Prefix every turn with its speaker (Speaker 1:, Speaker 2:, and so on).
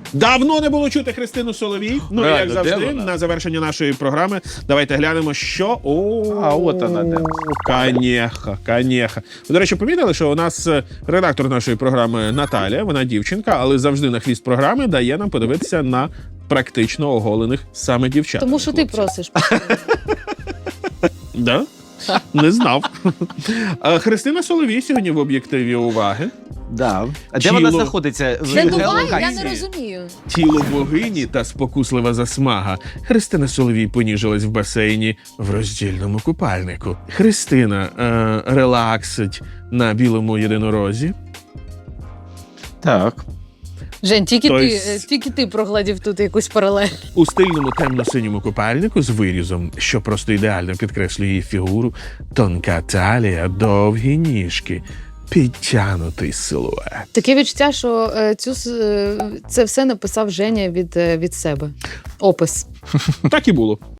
Speaker 1: Давно не було чути Христину Соловій. Ну, і як
Speaker 2: Реально, де
Speaker 1: завжди,
Speaker 2: вона?
Speaker 1: на завершення нашої програми давайте глянемо, що...
Speaker 2: А, от вона де.
Speaker 1: Канєха. Ви, до речі, помітили, що у нас редактор нашої програми Наталя, вона дівчинка, але завжди на хвіст програми дає нам подивитися на практично оголених саме дівчат.
Speaker 3: Тому що ти просиш.
Speaker 1: Да? Не знав. Христина Соловій сьогодні в об'єктиві уваги.
Speaker 2: Да. А де
Speaker 1: Тіло.
Speaker 2: вона знаходиться?
Speaker 3: Де Дубай?
Speaker 2: Геолокації?
Speaker 3: Я не розумію.
Speaker 1: Тіло богині та спокуслива засмага. Христина Соловій поніжилась в басейні в роздільному купальнику. Христина релаксить на білому єдинорозі.
Speaker 2: Так.
Speaker 3: Жень,
Speaker 1: Тобто-
Speaker 3: тільки ти прогладів тут якусь паралель.
Speaker 1: У стильному темно-синьому купальнику з вирізом, що просто ідеально підкреслює її фігуру, тонка талія, довгі ніжки, підтянутий силует.
Speaker 3: Таке відчуття, що це все написав Женя від себе. Опис.
Speaker 1: Так і було.